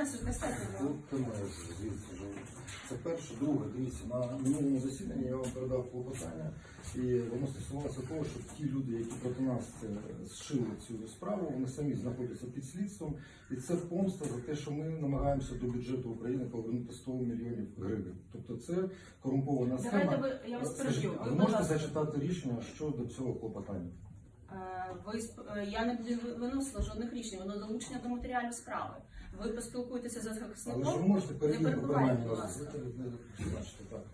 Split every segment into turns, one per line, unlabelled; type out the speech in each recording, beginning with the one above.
Це перше. Друге, дивіться, на минулому засіданні я вам передав клопотання, і воно стосувалося того, що ті люди, які проти нас зшили цю справу, вони самі знаходяться під слідством, і це помста за те, що ми намагаємося до бюджету України повернути 100 мільйонів гривень. Тобто це корумпована схема. Скажіть, ви можете зачитати рішення щодо цього клопотання?
Я не виносила жодних рішень, воно долучення до матеріалів справи. Ви поспілкуєтеся з захисником,
але ж ви можете перевірити
будь ласка.
Так.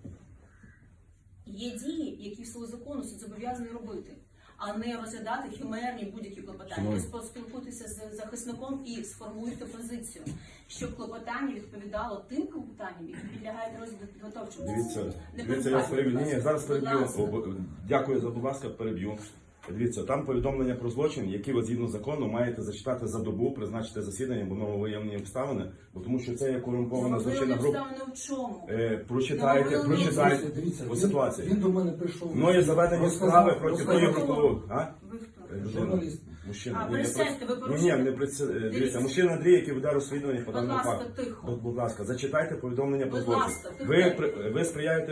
Є дії, які в силу закону суд зобов'язаний робити, а не розглядати химерні будь-які клопотання. Ви поспілкуйтеся з захисником і сформуйте позицію, щоб клопотання відповідало тим клопотанням, які підлягають розгляду підготовчому.
Дивіться, я переб'ю. Ні, зараз переб'ю. Дякую за, будь ласка, переб'ю. Дивіться, там повідомлення про злочин, які ви згідно закону маєте зачитати за добу, призначити засідання, бо нововиявлені обставини, бо тому що це є корумпована злочинна група.
Обставини в чому?
Прочитайте по ситуації.
Він до мене прийшов.
Мною заведені справи проти тої групи.
Ви хто?
Журналіст.
Мужчина.
Присядьте, ви
Ні,
порушуєте.
не дивіться, мужчина Андрій, який веде розслідування по даному
ласка,
факту.
тихо.
Будь ласка, зачитайте повідомлення про
Будь
злочин.
ласка, тихо.
Ви сприяєте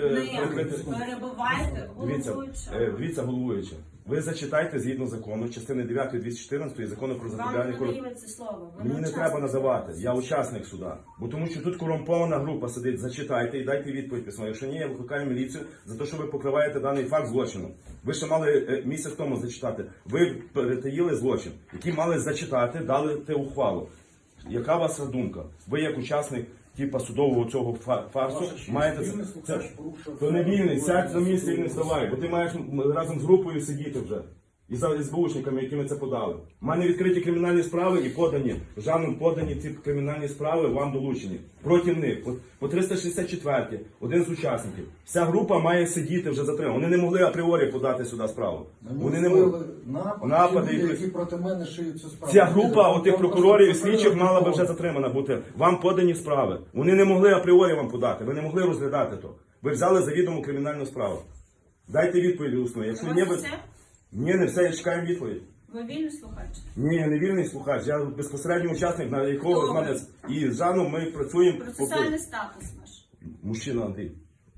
перебивайте головуючого.
Дивіться, головуюча. Ви зачитайте згідно закону, частини 9 214 закону про запобігання корупції.
Вам не це слово.
Мені не треба називати, я учасник суда. Бо тому що тут корумпована група сидить, зачитайте і дайте відповідь письмо. Якщо ні, я викликаю міліцію за те, що ви покриваєте даний факт злочину. Ви ще мали місяць тому зачитати. Ви перетаїли злочин, який мали зачитати, дали те ухвалу. Яка ваша думка? Ви як учасник типа судового цього фарсу маєте це. То не вільний, сядь на місце і не вставай, бо ти маєш разом з групою сидіти вже. І за СБУшниками, які ми це подали. У мене відкриті кримінальні справи і подані, жаном подані ці кримінальні справи вам долучені. Проти них, по 364 один з учасників. Вся група має сидіти вже затримана. Вони не могли апріорі подати сюди справу.
Вони не могли напади, які проти мене шиють цю справу.
Ця група отих прокурорів і слідчих мала би вже затримана бути. Вам подані справи. Вони не могли апріорі вам подати, ви не могли розглядати то. Ви взяли завідому кримінальну справу. Дайте відповідь усно. Якщо ні, ви... Ні, не все, я чекаю відповідь.
Ви вільний слухач?
Ні, я не вільний слухач, я безпосередньо учасник, на якого з мене і з Жаном ми працюємо.
Процесуальний статус наш.
Мужчина Андрій.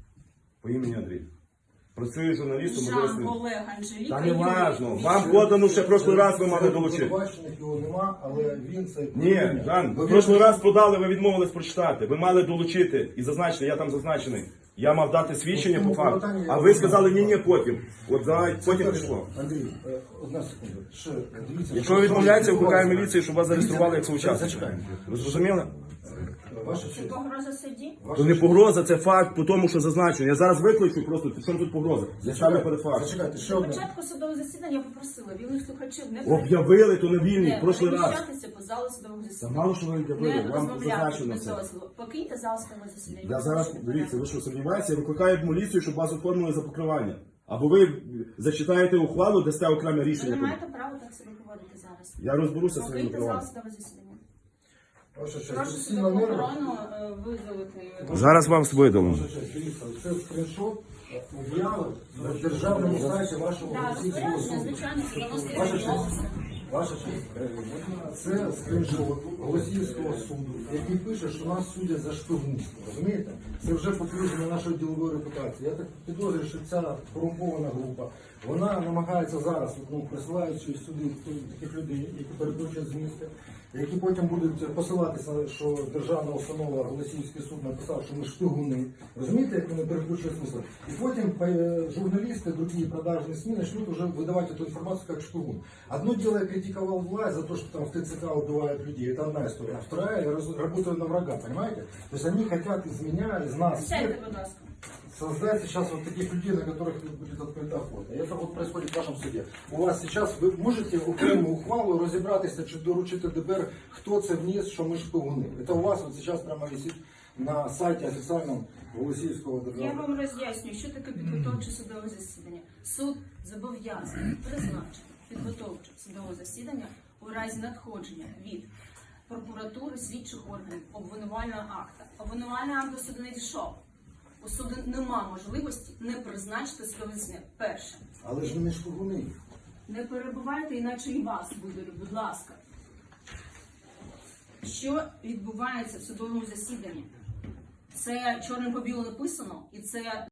По імені Андрій. Працюю журналістом.
Жан Олег Анжеліка.
Та не важно. Вам подано ще прошлий раз ви мали долучити.
Його нема, але він це...
Ні, Жан, прошлий раз подали, ви відмовились прочитати. Ви мали долучити і зазначити, я там зазначений. Я мав дати свідчення по факту. А ви сказали, ні, потім. От потім пішло.
Андрій, одна секунда.
Якщо ви відмовляєтеся, викликаю міліцію, щоб вас зареєстрували як соучасник. Ви зрозуміли?
Це погроза судді?
То не погроза, це факт по тому, що зазначено. Я зараз викличу просто, що тут погроза. Я ставлю перед фактом.
Зачекайте, ще
На
одне.
початку судового засідання я попросила вільних слухачів не
Об'явили, то не вільний, прошлий раз.
переміщатися по залу судового
Та
засідання.
мало що ви
Не
об'явили, вам
розмовляти
зазначено
без
це.
дозволу. Покиньте зал судового засідання.
Я зараз, дивіться, ви що сумніваєтеся, я викликаю міліцію, щоб вас оформили за покривання. Або ви зачитаєте ухвалу, дасте окреме
Ви не
рішення.
маєте права так себе поводити зараз.
Я розберуся з своїм
Покиньте зал
правом.
судового засідання.
Ваша честь,
Прошу
всі
судову
наміри.
охорону видалити.
Зараз вам видалимо.
Ваша честь, дивіться, це скріншот об'яви на державному сайті вашого
Так,
російського
розпорядження,
суду.
звичайно,
Ваша
судово
честь, ваша честь, це скріншот Голосіївського суду, який пише, що нас судять за шпигунство. Розумієте? Це вже підтвердження нашої ділової репутації. Я так підозрюю, що ця корумпована група, вона намагається зараз, присилаючи сюди таких людей, які перекручують з міста, які потім будуть посилатися, що державна установа Голосіївський суд написав, що ми шпигуни. Розумієте, як вони перекручують смисл? І потім журналісти, другі продажні СМИ начнут уже выдавать эту информацию как шпигун. Одно дело, я критиковал власть за то, что там в ТЦК убивают людей, это одна история. А вторая, я работаю на врага, понимаете? То есть они хотят из меня, из нас
Сядьте,
всех
будь ласка.
создать сейчас вот таких людей, на которых будет открыта охота. И это вот происходит в вашем суде. У вас сейчас, ви можете окрему ухвалу розібратися, чи доручити ДБР, хто це вніс, що ми шпигуни. Это у вас вот сейчас прямо висит на сайті офіційному Голосіївського
Я
державного.
вам роз'яснюю, що таке підготовче судове засідання. Суд зобов'язаний призначити підготовче судове засідання у разі надходження від прокуратури, слідчих органів, обвинувального акта. Обвинувальний акт до суду не дійшов. У суду нема можливості не призначити судове засідання. Перше.
Але ж вони шпигуни.
Не перебувайте, іначе і вас видалю, будь ласка. що відбувається в судовому засіданні. Це чорним по білому написано, і це